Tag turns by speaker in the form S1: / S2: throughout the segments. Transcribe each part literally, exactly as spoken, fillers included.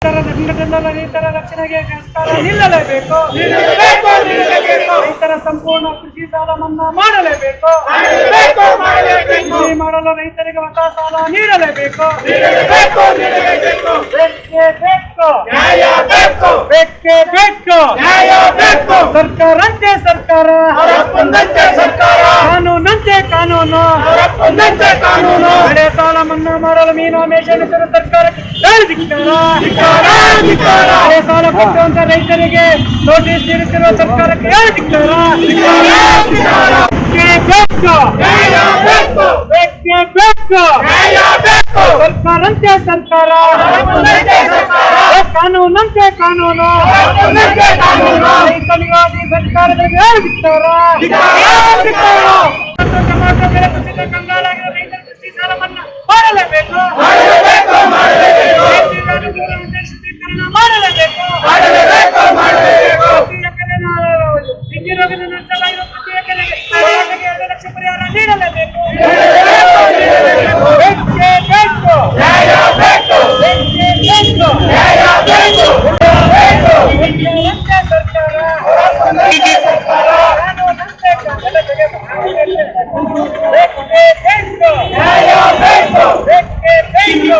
S1: ಸಂಘಟನೆಗಳ ರೈತರ ರಕ್ಷಣೆಗೆ ಸರ್ಕಾರ ನಿಲ್ಲಲೇಬೇಕು. ರೈತರ ಸಂಪೂರ್ಣ ಕೃಷಿ ಸಾಲ ಮನ್ನಾ ಮಾಡಲೇಬೇಕು. ಕೃಷಿ ಮಾಡಲು ರೈತರಿಗೆ ಹೊಸ ಸಾಲ ನೀಡಲೇಬೇಕು. ಬೇಕೇ ಬೇಕು, ಬೇಕೇ ಬೇಕು. ಸರ್ಕಾರಂತೆ ಸರ್ಕಾರ, ಕಾನೂನಂತೆ ಕಾನೂನು. ಬೆಳೆ ಸಾಲ ಮನ್ನಾ ಮಾಡಲು ಮೀನಾಮೇಷ ಸರ್ಕಾರಕ್ಕೆ ಬೆಳೆ ಸಾಲ ಕೊಟ್ಟುವಂತ ರೈತರಿಗೆ ನೋಟಿಸ್ ನೀಡುತ್ತಿರುವ ಸರ್ಕಾರಕ್ಕೆ ಸರ್ಕಾರಂತೆ ಸರ್ಕಾರ, ಕಾನೂನಂತೆ ಕಾನೂನು. ರೈತರಿಗಾಗಿ ಸರ್ಕಾರಗಳಿಗೆ ಟೊಮಾಟೊ ಬೆಲೆ ಕುಸಿತ ಕಂಗಾಲಾಗಿರುವ ರೈತರ ಕೃಷಿ ಸಾಲ ಮನ್ನಾ ಮಾಡಲೇಬೇಕು. ಮಾಡಲೇಬೇಕು. ಪ್ರತಿ ಎಕರೆ ನಷ್ಟವಾಗಿರುವ ಪ್ರತಿ ಎಕರೆಗೆ ಎರಡು ಲಕ್ಷ ಪರಿಹಾರ ನೀಡಲೇಬೇಕು. ಬೇಕೇ ಬೇಕು, ಬೇಕೇ ಬೇಕು. ಸರ್ಕಾರ, ಕಾನೂನಂತೆ ಬೇಕೇ ಬೇಕು, ಬೇಕೇ ಬೇಕು.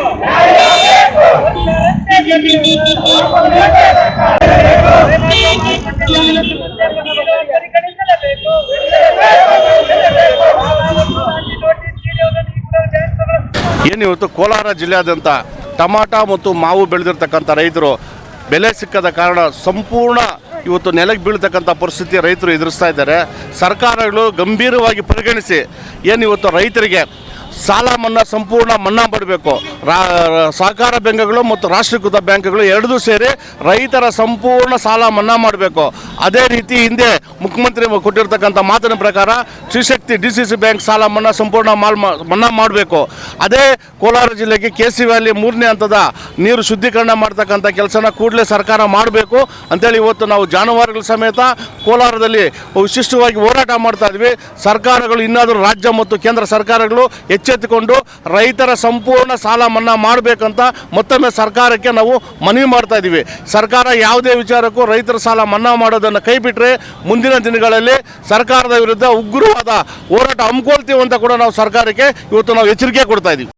S2: ಏನು ಇವತ್ತು ಕೋಲಾರ ಜಿಲ್ಲೆಯಾದ್ಯಂತ ಟಮಾಟ ಮತ್ತು ಮಾವು ಬೆಳೆದಿರ್ತಕ್ಕಂಥ ರೈತರು ಬೆಲೆ ಸಿಕ್ಕದ ಕಾರಣ ಸಂಪೂರ್ಣ ಇವತ್ತು ನೆಲಕ್ಕೆ ಬೀಳ್ತಕ್ಕಂಥ ಪರಿಸ್ಥಿತಿ ರೈತರು ಎದುರಿಸ್ತಾ ಇದ್ದಾರೆ. ಸರ್ಕಾರಗಳು ಗಂಭೀರವಾಗಿ ಪರಿಗಣಿಸಿ ಏನು ಇವತ್ತು ರೈತರಿಗೆ ಸಾಲ ಮನ್ನಾ ಸಂಪೂರ್ಣ ಮನ್ನಾ ಮಾಡಬೇಕು. ರಾ ಸಹಕಾರ ಬ್ಯಾಂಕ್ಗಳು ಮತ್ತು ರಾಷ್ಟ್ರೀಕೃತ ಬ್ಯಾಂಕ್ಗಳು ಎರಡೂ ಸೇರಿ ರೈತರ ಸಂಪೂರ್ಣ ಸಾಲ ಮನ್ನಾ ಮಾಡಬೇಕು. ಅದೇ ರೀತಿ ಹಿಂದೆ ಮುಖ್ಯಮಂತ್ರಿ ಕೊಟ್ಟಿರ್ತಕ್ಕಂಥ ಮಾತಿನ ಪ್ರಕಾರ Shrishakti D C C bank ಸಾಲ ಮನ್ನಾ ಸಂಪೂರ್ಣ ಮಾಲ್ ಮನ್ನಾ ಮಾಡಬೇಕು. ಅದೇ ಕೋಲಾರ ಜಿಲ್ಲೆಗೆ ಕೆ ಸಿ ವ್ಯಾಲಿ ಮೂರನೇ ಹಂತದ ನೀರು ಶುದ್ಧೀಕರಣ ಮಾಡ್ತಕ್ಕಂಥ ಕೆಲಸನ ಕೂಡಲೇ ಸರ್ಕಾರ ಮಾಡಬೇಕು ಅಂತೇಳಿ ಇವತ್ತು ನಾವು ಜಾನುವಾರುಗಳ ಸಮೇತ ಕೋಲಾರದಲ್ಲಿ ವಿಶಿಷ್ಟವಾಗಿ ಹೋರಾಟ ಮಾಡ್ತಾ ಇದ್ವಿ. ಸರ್ಕಾರಗಳು ಇನ್ನಾದರೂ ರಾಜ್ಯ ಮತ್ತು ಕೇಂದ್ರ ಸರ್ಕಾರಗಳು ಎಚ್ಚೆತ್ತುಕೊಂಡು ರೈತರ ಸಂಪೂರ್ಣ ಸಾಲ ಮನ್ನಾ ಮಾಡಬೇಕಂತ ಮತ್ತೊಮ್ಮೆ ಸರ್ಕಾರಕ್ಕೆ ನಾವು ಮನವಿ ಮಾಡ್ತಾ ಇದ್ದೀವಿ. ಸರ್ಕಾರ ಯಾವುದೇ ವಿಚಾರಕ್ಕೂ ರೈತರ ಸಾಲ ಮನ್ನಾ ಮಾಡೋದನ್ನು ಕೈಬಿಟ್ಟರೆ ಮುಂದಿನ ದಿನಗಳಲ್ಲಿ ಸರ್ಕಾರದ ವಿರುದ್ಧ ಉಗ್ರವಾದ ಹೋರಾಟ ಹಮ್ಮಿಕೊಳ್ತೀವಿ ಅಂತ ಕೂಡ ನಾವು ಸರ್ಕಾರಕ್ಕೆ ಇವತ್ತು ನಾವು ಎಚ್ಚರಿಕೆ ಕೊಡ್ತಾ ಇದ್ದೀವಿ.